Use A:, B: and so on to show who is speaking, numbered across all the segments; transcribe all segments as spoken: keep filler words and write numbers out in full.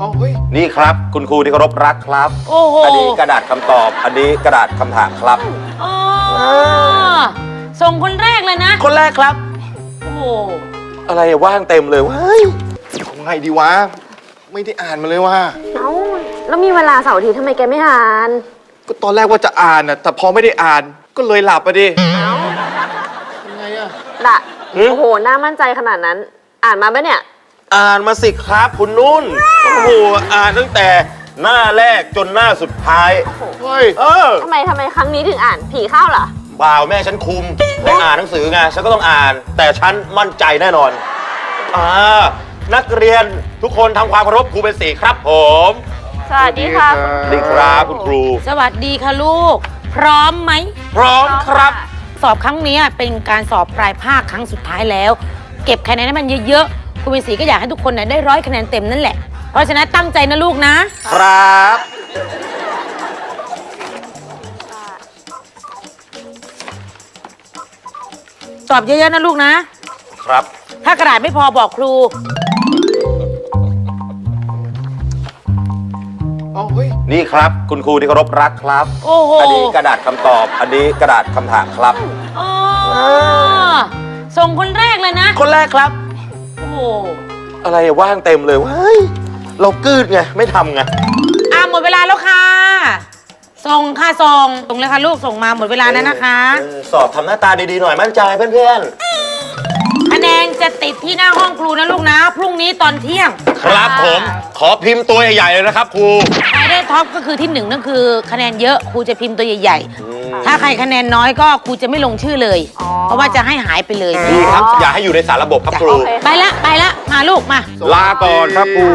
A: อ๋อเฮ้ย
B: นี่ครับคุณครูที่เคารพรักครับ
C: โอ้โห
B: อันนี้กระดาษคำตอบอันนี้กระดาษคำถามครับ
C: อ๋อส่งคนแรกเลยนะ
B: คนแรกครับ
C: โอ้โห
B: อะไรว่างเต็มเลยว้าย
A: ทำไงดีวะไม่ได้อ่านมาเลยว่ะ
D: เอ้าแล้วมีเวลาเสาร์อาทิตย์ทำไมแกไม่อ่าน
A: ก็ตอนแรกว่าจะอ่านน่ะแต่พอไม่ได้อ่านก็เลยหลับไปดิ
D: เอ้า
A: ยังไงอะ
D: ละโอ้โหน่ามั่นใจขนาดนั้นอ่านมาปะเนี่ย
B: อ่านมาสิครับคุณนุ่นโอ้โหอ่านตั้งแต่หน้าแรกจนหน้าสุดท้าย
A: เฮ้ย
B: เออ
D: ทำไมทำไมครั้งนี้ถึงอ่านผีเข้าเหรอ
B: บ่าวแม่ฉันคุมให้อ่านหนังสือไงฉันก็ต้องอ่านแต่ฉันมั่นใจแน่นอนอ่านักเรียนทุกคนทำความเคารพครูเป็นสีครับผม
D: สวัสดีค่ะ
B: สวัสดีครับคุณครู
C: สวัสดีค่ะลูกพร้อมไหม
B: พร้อมครับ
C: สอบครั้งนี้เป็นการสอบปลายภาคครั้งสุดท้ายแล้วเก็บคะแนนให้มันเยอะๆครูเป็นสีก็อยากให้ทุกคนได้ร้อยคะแนนเต็มนั่นแหละเพราะฉะนั้นตั้งใจนะลูกนะครับสอบเยอะๆนะลูกนะครับถ้ากระดาษไม่พอบอกครู
A: อ๋อเฮ้ย
B: นี่ครับคุณครูที่เคารพรักครับ
C: โอ้โห
B: อันนี้กระดาษคำตอบอันนี้กระดาษคำถามครับ
C: อ๋อส่งคนแรกเลยนะ
B: คนแรกครับ
C: โอ้โห
B: อะไรว่างเต็มเลยว้ายเรากืดไงไม่ทำไง
C: อ่ะหมดเวลาแล้วค่ะส่งค่ะส่งส่งเลยค่ะลูกส่งมาหมดเวลาแล้วนะคะ
B: สอบทำหน้าตาดีๆหน่อยมั่นใจเพื่อน
C: ๆคะแนนจะติดที่หน้าห้องครูนะลูกนะพรุ่งนี้ตอนเที่ยง
B: ครับผมขอพิมพ์ตัวใหญ่ๆเลยนะครับครู
C: ใครได้ท็อปก็คือที่หนึ่งนั่นคือคะแนนเยอะครูจะพิมพ์ตัวใหญ่ๆถ้าใครคะแนนน้อยก็ครูจะไม่ลงชื่อเลยเพราะว่าจะให้หายไปเลย
B: ดีครับอย่าให้อยู่ในสารระบบครับครู
C: ไปละไปละมาลูกมา
B: ลาก่อนครับครู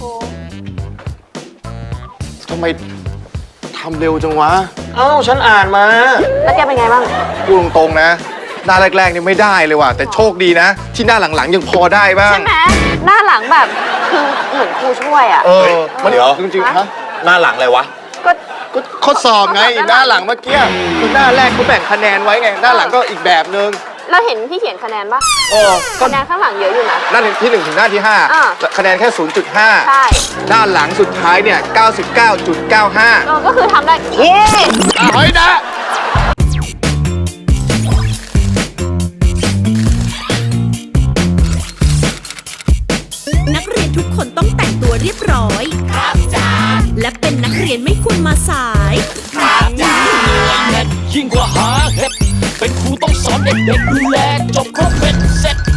A: ทำไมทำเร็วจังวะ
B: เอ้าฉันอ่านมา
D: แล้วแกเป็นไงบ้าง
A: พูดตรงๆนะหน้าแรกๆนี่ไม่ได้เลยว่ะแต่โชคดีนะที่หน้าหลังๆยังพอได้บ้าง
D: ใช่ไหมหน้าหลังแบบคือเหมือนครูช่วยอ่ะ
A: เออมันเดี๋ยวจริงๆฮะ
B: หน้าหลังอะไรวะ
D: ก็
A: ก็ข้อสอบไงหน้าหลังเมื่อกี้คือหน้าแรกเขาแบ่งคะแนนไว้ไงหน้าหลังก็อีกแบบนึง
D: เราเห็นพี่เขียนคะแนนปะ
A: โอ้
D: คะแนนข้างหลังเยอะอยู่นะ
A: หน้าที่หนึ่งถึงหน้าที่ห้าคะแนนแค่ ศูนย์จุดห้า
D: ใช่
A: หน้าหลังสุดท้ายเนี่ย เก้าสิบเก้าจุดเก้าห้า
D: เออก็คือทำได้
A: โอ้ยเฮ้ยนะ
E: นักเรียนทุกคนต้องแต่งตัวเรียบร้อยครับจ้าและเป็นนักเรียนไม่ควรมาสายครับจ้า
F: ยิ่งกว่าหาเห็ดเป็นครูต้องสอนเด็กๆดูแลจบครบเป็นเสร็จ